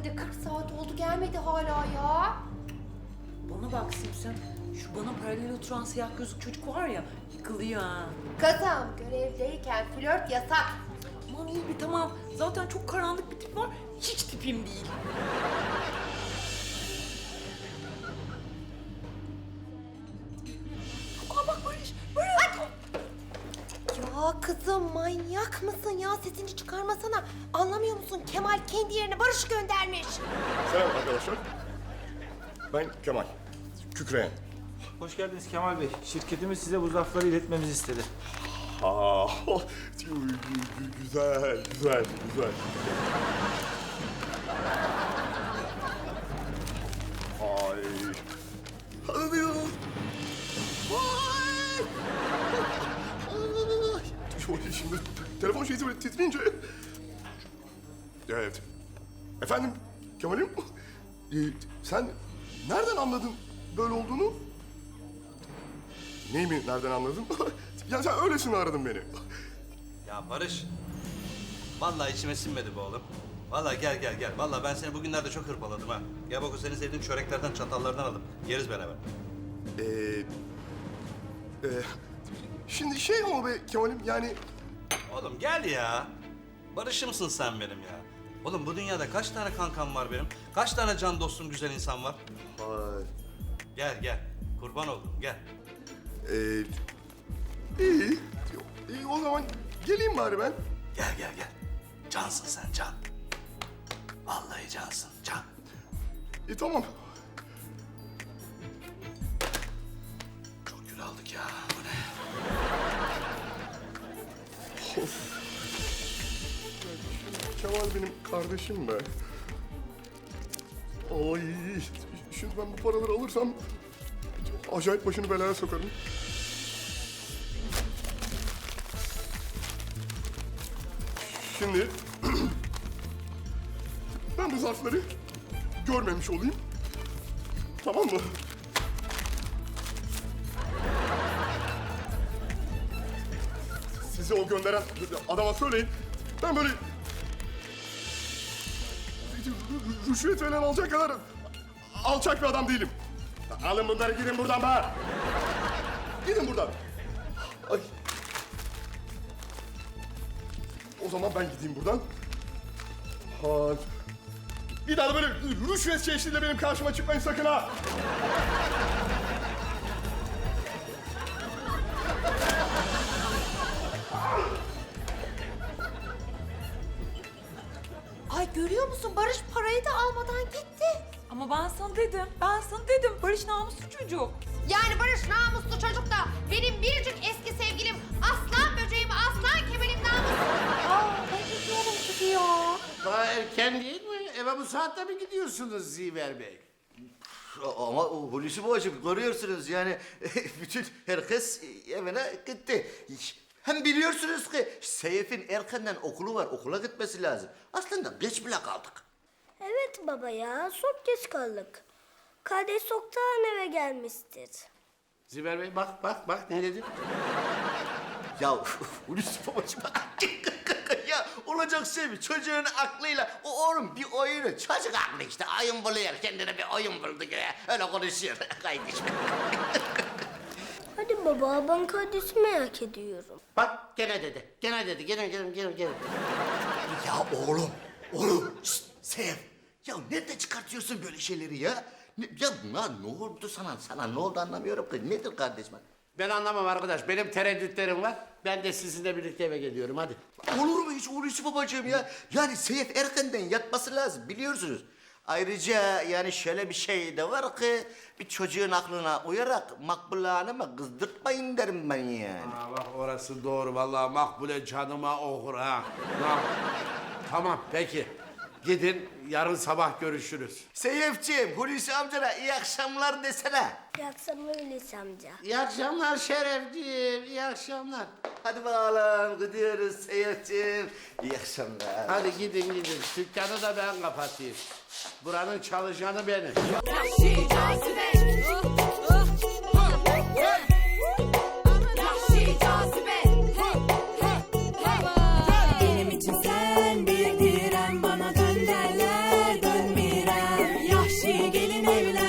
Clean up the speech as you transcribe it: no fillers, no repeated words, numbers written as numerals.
de 40 saat oldu gelmedi hala ya. Bana bak Simsem, şu bana paralel oturan siyah gözlük çocuk var ya, yıkılıyor ha. Kızım görevdeyken flört yasak. Aman iyi bir tamam, zaten çok karanlık bir tip var, hiç tipim değil. Aa bak Barış, Barış! Ya kızım manyak mısın ya? Sesini çıkarmasana. Anlamıyor musun? Kemal kendi yerine Barış'ı göndermiş. Selam arkadaşlar. Ben Kemal. Kükreyen. Hoş geldiniz Kemal Bey. Şirketimiz size bu zarfları iletmemizi istedi. Aa, güzel, güzel, güzel. Ay. Hadi ya. Vay. Ay. Şimdi telefon şeysi böyle titreyince. Evet. Efendim Kemal'im. Sen nereden anladın böyle olduğunu? Neyi mi nereden anladın? Ya sen öylesine aradın beni. Ya Barış, vallahi içime sinmedi bu oğlum. Vallahi gel. Vallahi ben seni bugünlerde çok hırpaladım ha. Gel bak o senin sevdiğin çöreklerden, çatallardan alıp yeriz beraber. Şimdi şey ama be Kemal'im yani... Oğlum gel ya. Barış'ımsın sen benim ya. Oğlum bu dünyada kaç tane kankam var benim? Kaç tane can dostum, güzel insan var? Gel. Kurban oldum, gel. İyi. İyi o zaman geleyim bari ben. Gel. Cansın sen, can. Vallahi cansın, can. Tamam. Çok gül aldık ya, bu ne? Kemal benim kardeşim be. Ay, şimdi ben bu paraları alırsam acayip başını belaya sokarım. Şimdi ben bu zarfları görmemiş olayım. Tamam mı? Sizi o gönderen adama söyleyin. Ben böyle rüşvet falan alacak kadar alçak bir adam değilim. Alın bunları gidin buradan be. Gidin buradan. Ay. O zaman ben gideyim buradan. Ha. Bir daha da böyle rüşvet çeşidiyle benim karşıma çıkmayın sakın ha. Ay görüyor musun? Barış parayı da almadan gitti. Ama ben sana dedim, Barış namuslu çocuk. Yani Barış namuslu çocuk da benim biricik eski sevgilim aslan böceğim, aslan Kemal'im namuslu. Ben gidiyorum gidiyor. Daha erken değil mi? Eve bu saatte mi gidiyorsunuz Ziver Bey? Ama Hulusi babacığım görüyorsunuz yani bütün herkes evine gitti. Hem biliyorsunuz ki Seyf'in erkenden okulu var, okula gitmesi lazım. Aslında geç bile kaldık. Evet baba ya, çok geç kaldık. Kardeş çoktan eve gelmiştir. Ziver Bey bak ne dedim? Ya Hulusi babacığım ya olacak şey mi? Çocuğun aklıyla o oğlum bir oyunu, çocuk aklı işte oyun buluyor, kendine bir oyun buldu gibi öyle konuşuyor kardeşim. Hadi baba, ben kardeşimi merak ediyorum. Bak gene dedi. Gelin. Ya oğlum, şşt, Seyf. Ya nerede çıkartıyorsun böyle şeyleri ya? Ne oldu sana ne oldu anlamıyorum ki. Nedir kardeşim? Ben anlamam arkadaş. Benim tereddütlerim var. Ben de sizinle birlikte eve geliyorum hadi. Olur mu hiç Hulusi babacığım ya? Yani Seyf erkenden yatması lazım biliyorsunuz. Ayrıca yani şöyle bir şey de var ki bir çocuğun aklına uyarak Makbule Hanım'ı kızdırtmayın derim ben yani. Aa, bak orası doğru. Vallahi Makbule canıma okur ha. Tamam peki. Gidin yarın sabah görüşürüz. Seyfciğim, Hulusi amcana iyi akşamlar desene. İyi akşamlar Hulusi amca. İyi akşamlar Şerefciğim. İyi akşamlar. Hadi bakalım gidiyoruz Seyfciğim. İyi akşamlar. Hadi gidin. Dükkanı da ben kapatayım. Buranın çalışanı benim. Yahşi cazibe. Benim için sen bir direm, bana dön derler dönmeyi. evlen